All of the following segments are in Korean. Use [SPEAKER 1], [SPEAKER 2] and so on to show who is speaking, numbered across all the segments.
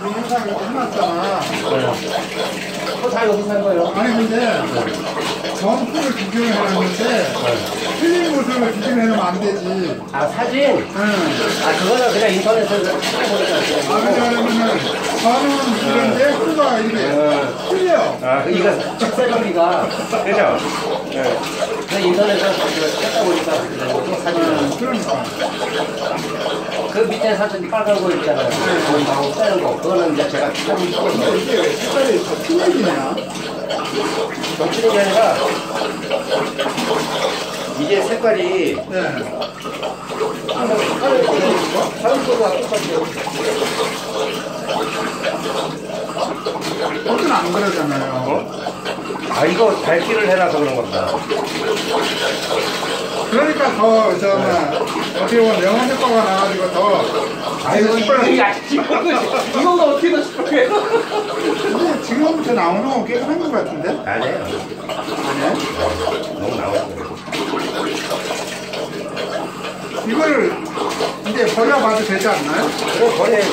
[SPEAKER 1] 우리 회사에 해놨잖아.
[SPEAKER 2] 그거 다 여기서 한 거예요.
[SPEAKER 1] 아니 근데 정품을 비교를 해놨는데 틀린 모습을 비교를 해놓으면 안 되지.
[SPEAKER 2] 아, 사진?
[SPEAKER 1] 응.
[SPEAKER 2] 아, 그거는 그냥 인터넷에서 찾아보니까.
[SPEAKER 1] 왜냐하면 저는 이런데 후가 이렇게 틀려.
[SPEAKER 2] 아, 이거 책사진비가.
[SPEAKER 3] 그죠? 네.
[SPEAKER 2] 그냥 인터넷에서 찾아보니까 또 사진을.
[SPEAKER 1] 그러니까.
[SPEAKER 2] 그 밑에 사진 빨간 거 있잖아요. 거기 나오고 빼는 거. 그거는 이제 제가 사진 찍어서.
[SPEAKER 1] 이게 왜 색깔이 더 틀리냐?
[SPEAKER 2] 정치는 게 아니라 이게 색깔이
[SPEAKER 1] 네.
[SPEAKER 2] 다른 거가 똑같아요.
[SPEAKER 1] 어떤 안 그러잖아요.
[SPEAKER 3] 어? 아, 이거 밝기를 해놔서 그런 겁니다.
[SPEAKER 1] 그러니까 더 어떻게 보면 영혼 효과가 나가지고 더
[SPEAKER 2] 아이고, 이거가 어떻게 더 시끄러워요?
[SPEAKER 1] 근데 지금부터 나오는 건 깨끗한 것 같은데?
[SPEAKER 2] 아니에요.
[SPEAKER 1] 아니야?
[SPEAKER 3] 너무 나오고.
[SPEAKER 1] 이걸 이제 버려봐도 되지 않나요?
[SPEAKER 2] 그럼 버려야죠.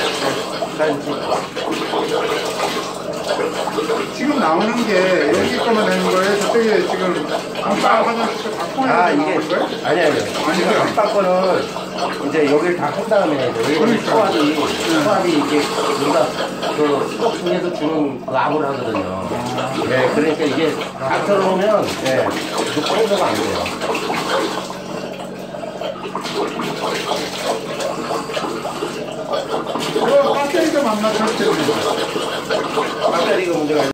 [SPEAKER 1] 지금 나오는 게 여기 거만 되는 거예요? 저쪽에 지금 깜빡 화장실 바꾸는
[SPEAKER 2] 아,
[SPEAKER 1] 게
[SPEAKER 2] 이게,
[SPEAKER 1] 나올 거예요?
[SPEAKER 2] 아니에요.
[SPEAKER 1] 아니죠.
[SPEAKER 2] 깜빡 거는 이제 여기를 다 한 다음에,
[SPEAKER 1] 그러니까.
[SPEAKER 2] 소화기 이게 우리가 그 수도 중에서 주는 그 암을 하거든요. 네, 그러니까 이게 다 들어오면, 네, 그 청소가 안 돼요.
[SPEAKER 1] 배터리도 만나 잘 때문에.
[SPEAKER 2] 배터리가 문제가